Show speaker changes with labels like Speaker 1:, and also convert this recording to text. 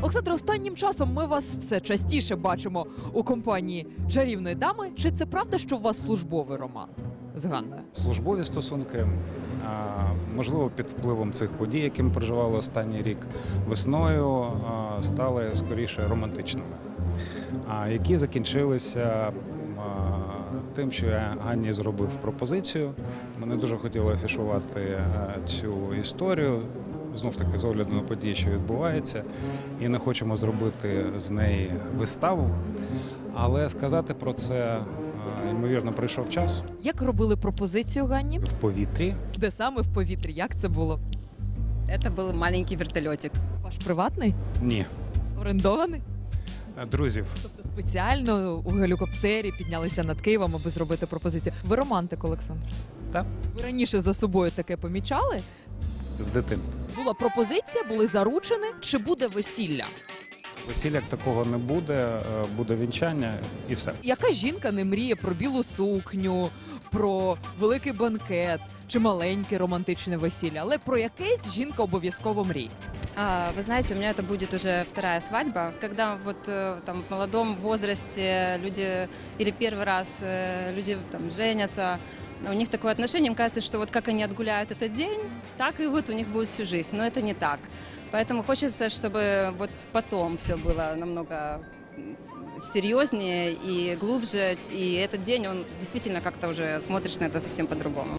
Speaker 1: Олександре, останнім часом ми вас все частіше бачимо у компанії чарівної дами. Чи це правда, що у вас службовий роман з Ганною?
Speaker 2: Службові стосунки, можливо, під впливом цих подій, які ми переживали останній рік, весною стали скоріше романтичними, які закінчилися тим, що я Ганні зробив пропозицію. Ми не дуже хотіли афішувати цю історію, знов-таки з огляду на події, що відбувається, і не хочемо зробити з неї виставу, але сказати про це, ймовірно, прийшов час.
Speaker 1: Як робили пропозицію Ганні?
Speaker 2: В повітрі.
Speaker 1: Де саме в повітрі? Як це було?
Speaker 3: Это был маленький вертолетик.
Speaker 1: Ваш приватний?
Speaker 2: Ні.
Speaker 1: Орендований?
Speaker 2: Друзів.
Speaker 1: Тобто спеціально у гелікоптері піднялися над Києвом, аби зробити пропозицію. Ви романтик, Олександр?
Speaker 2: Так.
Speaker 1: Ви раніше за собою таке помічали?
Speaker 2: З дитинства.
Speaker 1: Була пропозиція, були заручені. Чи буде весілля?
Speaker 2: Весілля як такого не буде, буде вінчання і все.
Speaker 1: Яка жінка не мріє про білу сукню, про великий банкет чи маленьке романтичне весілля, але про якесь жінка обов'язково мріє?
Speaker 3: Вы знаете, у меня это будет уже вторая свадьба, когда вот там в молодом возрасте люди или первый раз люди там женятся, у них такое отношение, им кажется, что вот как они отгуляют этот день, так и вот у них будет всю жизнь, но это не так. Поэтому хочется, чтобы вот потом все было намного серьезнее и глубже, и этот день, он действительно как-то уже смотришь на это совсем по-другому.